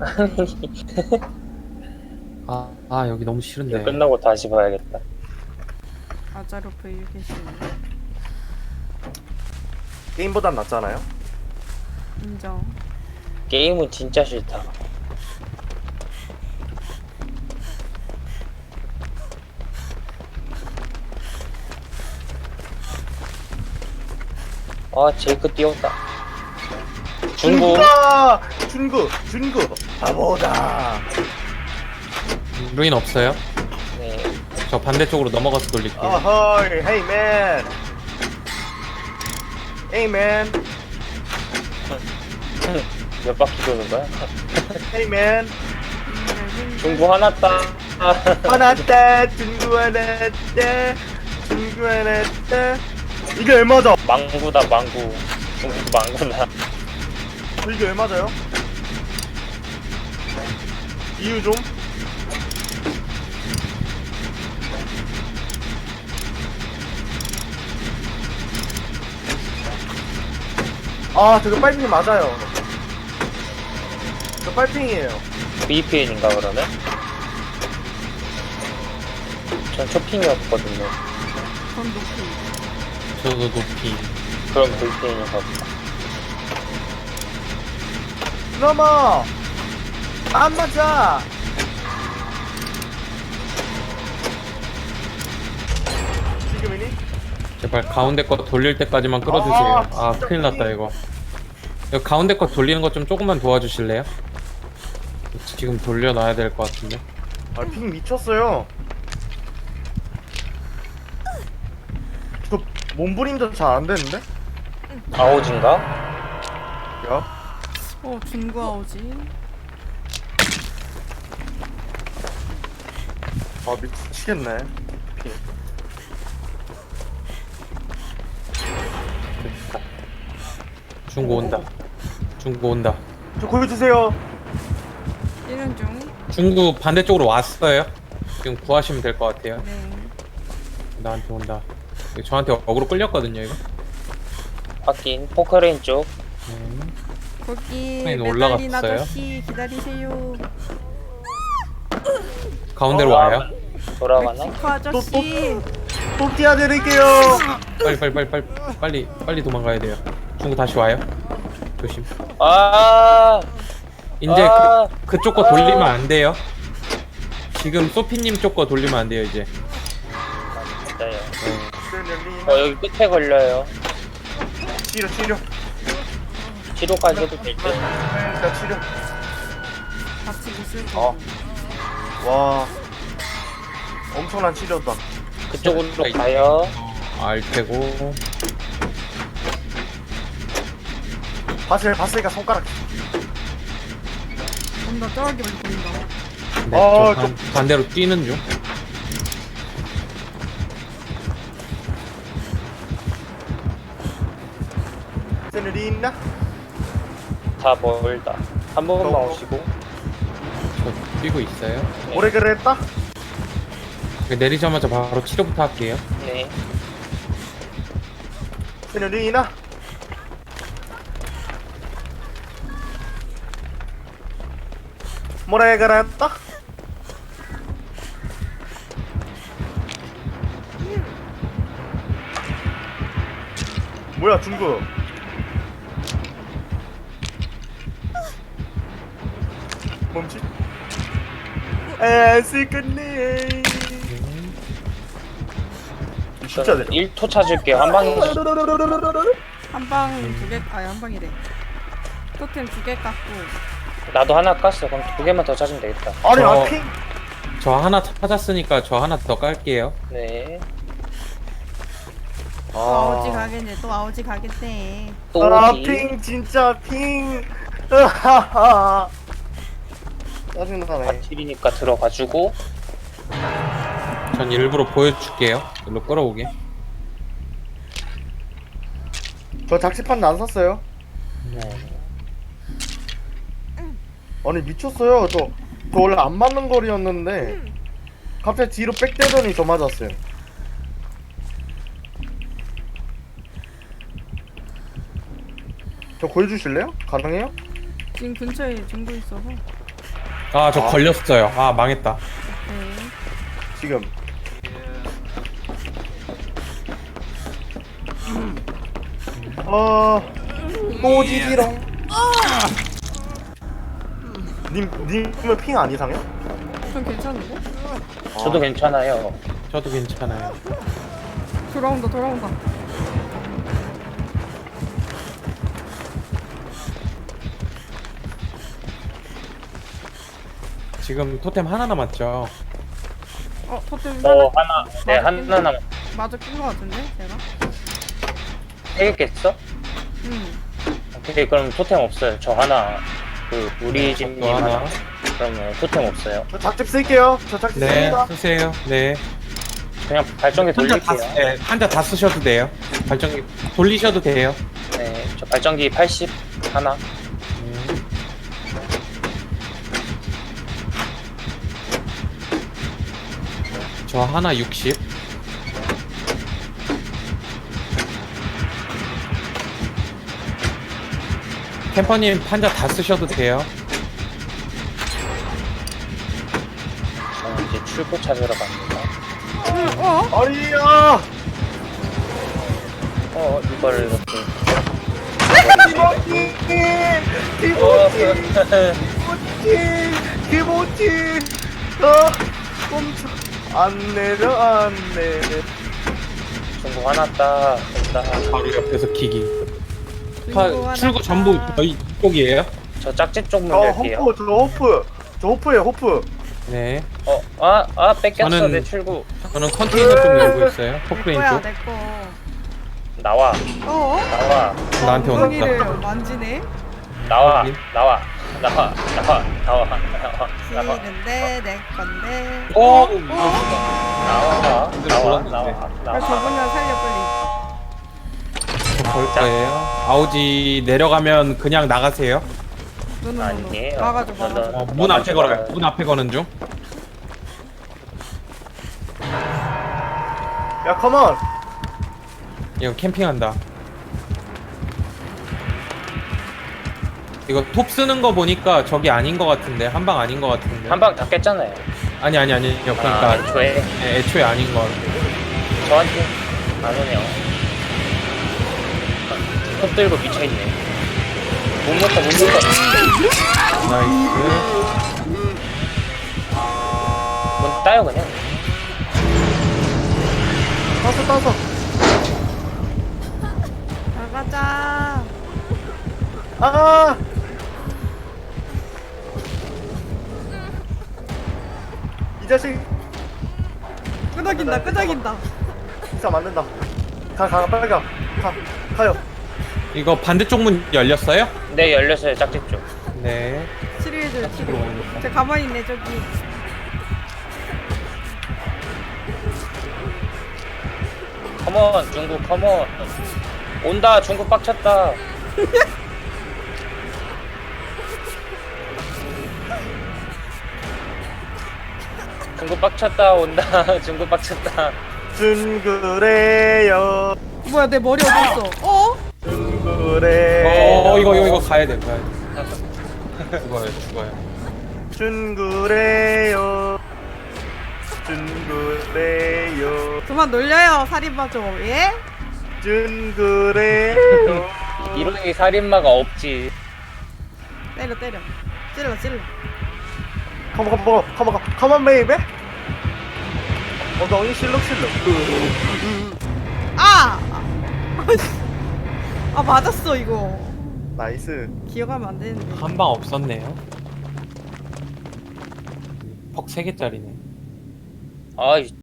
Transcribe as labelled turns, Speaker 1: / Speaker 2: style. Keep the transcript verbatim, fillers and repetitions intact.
Speaker 1: 아, 아 여기 너무
Speaker 2: 이거
Speaker 1: 싫은데.
Speaker 2: 끝나고 다시 봐야겠다.
Speaker 3: 아자로프 유기신
Speaker 4: 게임보단 낫잖아요.
Speaker 3: 인정.
Speaker 2: 게임은 진짜 싫다. 아, 제이크 뛰었다. 중국.
Speaker 4: 준구다! 준구! 준구! 바보다!
Speaker 1: 루인 없어요?
Speaker 2: 네.
Speaker 1: 저 반대쪽으로 넘어가서 돌릴게요.
Speaker 4: 어허이! 헤이 맨! 헤이 맨!
Speaker 2: 몇 바퀴 도는 거야?
Speaker 4: 헤이 맨!
Speaker 2: 중국 하나 따.
Speaker 4: 화났다! 준구 화났다! 준구 화났다! 이게 얼마죠?
Speaker 2: 망구다, 망구. 중국 망구다.
Speaker 4: 이게 얼마죠? 이유 좀? 아 저거 빨핑 맞아요. 저 빨핑이에요.
Speaker 2: 브이피엔인가 그러면? 전 쇼핑이었거든요.
Speaker 3: 전 높이.
Speaker 1: 저도 높이.
Speaker 2: 그럼 브이피엔인가 보다.
Speaker 4: 넘어! 안 맞아! 지금이니?
Speaker 1: 제발 가운데 거 돌릴 때까지만 끌어주세요.
Speaker 4: 아,
Speaker 1: 아
Speaker 4: 진짜
Speaker 1: 큰일 났다 이거. 이거 가운데 거 돌리는 거 좀 조금만 도와주실래요? 지금 돌려놔야 될 것 같은데.
Speaker 4: 아, 핑 미쳤어요. 저 몸부림도 잘 안 되는데?
Speaker 2: 아오진가?
Speaker 4: 야,
Speaker 3: 어 중구 아오지.
Speaker 4: 아 미치겠네. 핑.
Speaker 1: 중고 온다. 중고 온다.
Speaker 4: 저 구해주세요.
Speaker 3: 일은 중.
Speaker 1: 중구 반대쪽으로 왔어요. 지금 구하시면 될 것 같아요.
Speaker 3: 네.
Speaker 1: 나한테 온다. 이거 저한테 어그로 끌렸거든요 이거.
Speaker 2: 확인. 포크레인 쪽.
Speaker 1: 음.
Speaker 3: 거기
Speaker 1: 선생님
Speaker 3: 메달린
Speaker 1: 올라갔어요?
Speaker 3: 아저씨 기다리세요.
Speaker 1: 가운데로
Speaker 2: 어,
Speaker 1: 와요.
Speaker 2: 돌아가나?
Speaker 3: 멕시코 아저씨.
Speaker 4: 또 뛰어드릴게요.
Speaker 1: 빨리 빨리 빨리 빨리 빨리 빨리 도망가야 돼요. 중구 다시 와요. 조심.
Speaker 2: 아,
Speaker 1: 이제
Speaker 2: 아.
Speaker 1: 그, 그쪽 거 돌리면 안 돼요. 지금 소피님 쪽 거 돌리면 안 돼요 이제.
Speaker 2: 진짜요.
Speaker 1: 네.
Speaker 2: 어, 여기 끝에 걸려요.
Speaker 4: 치료 치료.
Speaker 2: 치료까지 해도 될 듯.
Speaker 4: 자 치료.
Speaker 3: 같이 있을 거.
Speaker 4: 어. 와. 엄청난 치료다.
Speaker 2: 그쪽으로 가요.
Speaker 1: 알 테고.
Speaker 4: 봤을 봤으니까 손가락.
Speaker 3: 좀더 쩔게 보인다.
Speaker 1: 네,
Speaker 4: 어,
Speaker 1: 저 반, 반대로 뛰는 중.
Speaker 4: 세누리나?
Speaker 2: 다 멀다. 한 번만
Speaker 4: 어.
Speaker 2: 오시고.
Speaker 1: 저 뛰고 있어요.
Speaker 4: 오래 그랬다?
Speaker 1: 내리자마자 바로 치료부터 할게요.
Speaker 2: 네.
Speaker 4: 세누리나? 오래 그랬다? 뭐야 중국? 멈지? 에스 끝내. 진짜 내려.
Speaker 2: 일 토 찾을게요. 한 방에.
Speaker 3: 한방 두 개, 아니 한 방이래. 토템 두 개 깎고.
Speaker 2: 나도 하나 깠어. 그럼 두 개만 더 찾으면 되겠다.
Speaker 4: 아니
Speaker 1: 저-
Speaker 4: 아 핑.
Speaker 1: 저 하나 찾았으니까 저 하나 더 깔게요.
Speaker 2: 네.
Speaker 3: 또 아오지 가겠네. 또 아오지 가겠네.
Speaker 2: 또
Speaker 4: 아
Speaker 2: 어디?
Speaker 4: 핑 진짜 핑. 으하하. 짜증나네.
Speaker 2: 아틀이니까 들어가주고.
Speaker 1: 전 일부러 보여줄게요. 일로 끌어오게.
Speaker 4: 저 작시판 안 샀어요.
Speaker 2: 네.
Speaker 4: 아니 미쳤어요. 저, 저 원래 안 맞는 거리였는데 갑자기 뒤로 빽대더니 저 맞았어요. 저 구해주실래요? 가능해요?
Speaker 3: 지금 근처에 중구 있어서.
Speaker 1: 아 저
Speaker 4: 아.
Speaker 1: 걸렸어요. 아 망했다.
Speaker 3: 네.
Speaker 4: 지금. 어, 꼬지지롱. 님, 님은 핑 안 이상해?
Speaker 3: 좀 괜찮은데?
Speaker 2: 저도 괜찮아요.
Speaker 1: 저도 괜찮아요.
Speaker 3: 돌아온다 돌아온다.
Speaker 1: 지금 토템 하나 남았죠.
Speaker 3: 어 토템
Speaker 2: 어
Speaker 3: 하나
Speaker 2: 하나 네 하나 남
Speaker 3: 마저 낀거 같은데 제가?
Speaker 2: 세개 깼어?
Speaker 3: 응.
Speaker 2: 오케이 그럼 토템 없어요. 저 하나 그 우리 집님
Speaker 1: 저도
Speaker 2: 하나.
Speaker 1: 하나.
Speaker 2: 그러면 토템 없어요.
Speaker 4: 저 작집 쓸게요. 저 작집
Speaker 1: 네
Speaker 4: 씁니다.
Speaker 1: 쓰세요. 네.
Speaker 2: 그냥 발전기
Speaker 1: 한자 다,
Speaker 2: 돌릴게요.
Speaker 1: 쓰- 네, 한자 다 쓰셔도 돼요. 발전기 돌리셔도 돼요.
Speaker 2: 네, 저 발전기 팔십 하나.
Speaker 1: 음. 저 하나 육십. 캠퍼님 판자 다 쓰셔도 돼요.
Speaker 2: 저는 이제 출구 찾으러 갑니다.
Speaker 3: 응. 어?
Speaker 4: 아리야!
Speaker 2: 어 이걸 이렇게.
Speaker 4: 기모치!
Speaker 2: 어,
Speaker 4: 기모치! 기모치! 어, 꼼짝. 안 내려, 안 내려.
Speaker 2: 중국 하나 따. 온다.
Speaker 1: 바로 옆에서 기기.
Speaker 3: 친구
Speaker 1: 파,
Speaker 3: 하나
Speaker 1: 출구 전부
Speaker 3: 다.
Speaker 1: 저희 이쪽이에요.
Speaker 2: 저 짝짓 쪽문
Speaker 4: 저
Speaker 2: 열게요.
Speaker 4: 호프, 저 호프. 저 호프예요, 호프.
Speaker 1: 네.
Speaker 2: 어, 아, 아 뺏겼어
Speaker 1: 저는-
Speaker 2: 내 출구.
Speaker 1: 저는 컨테이너 좀 열고 있어요.
Speaker 3: 내
Speaker 1: 포크레인
Speaker 3: 거야
Speaker 1: 쪽.
Speaker 3: 내 거.
Speaker 2: 나와,
Speaker 3: 어?
Speaker 2: 나와,
Speaker 1: 나한테
Speaker 3: 엉덩이를
Speaker 1: 온다.
Speaker 3: 만지네.
Speaker 2: 나와,
Speaker 1: 여기?
Speaker 2: 나와, 나와, 나와, 나와, 나와, 나와,
Speaker 3: 싫은데 내 건데.
Speaker 1: 오!
Speaker 3: 어?
Speaker 2: 나와, 나와, 나와, 나와,
Speaker 3: 나 저분을 살려 빨리.
Speaker 1: 볼 거예요. 아우지 내려가면 그냥 나가세요.
Speaker 3: 노노노노.
Speaker 2: 아니에요.
Speaker 3: 막아줘
Speaker 2: 저는-
Speaker 3: 막아줘.
Speaker 1: 어, 문 앞에 걸어요. 문 앞에 거는 중.
Speaker 4: 야, 컴온!
Speaker 1: 이거 캠핑한다. 이거 톱 쓰는 거 보니까 저기 아닌 거 같은데 한 방 아닌 거 같은데.
Speaker 2: 한방 다 깼잖아요.
Speaker 1: 아니 아니 아니. 그러니까
Speaker 2: 아, 애초에
Speaker 1: 네, 애초에 아닌 거.
Speaker 2: 저한테 안 오네요. 톱 들고 미쳐있네. 못 먹다, 못 먹다.
Speaker 1: 나이스.
Speaker 2: 문 따요 그냥.
Speaker 4: 따서, 따서.
Speaker 3: 나가자.
Speaker 4: 아! 이 자식,
Speaker 3: 끄덕인다 끄덕인다.
Speaker 4: 진짜 맞는다. 가, 가, 빨리 가. 가, 가요.
Speaker 1: 이거 반대쪽 문 열렸어요?
Speaker 2: 네 열렸어요 짝짓 쪽.
Speaker 1: 네.
Speaker 3: 치료해줘요 치료.
Speaker 1: 들어가야겠다.
Speaker 3: 저 가만히 있네 저기.
Speaker 2: 컴온 중국 컴온. 온다 중국 빡쳤다. 중국 빡쳤다 온다. 중국 빡쳤다.
Speaker 4: 둥그레요.
Speaker 3: 뭐야 내 머리 어디 있어? 어?
Speaker 4: 둥그레요.
Speaker 1: 어 이거 이거 이거 가야 돼. 가야 돼. 죽어요 죽어요.
Speaker 4: 둥그레요. 둥그레요.
Speaker 3: 그만 놀려요 살인마 좀. 예?
Speaker 4: 둥그레요.
Speaker 2: 이런 살인마가 없지.
Speaker 3: 때려 때려. 찔러 찔러.
Speaker 4: 컴온, 컴온, 컴온, 컴온, 베이베. 엉덩이 실룩실룩.
Speaker 3: 아! 아 맞았어 이거.
Speaker 4: 나이스.
Speaker 3: 기억하면 안 되는데.
Speaker 1: 한 방 없었네요. 퍽 세 개짜리네.
Speaker 2: 아이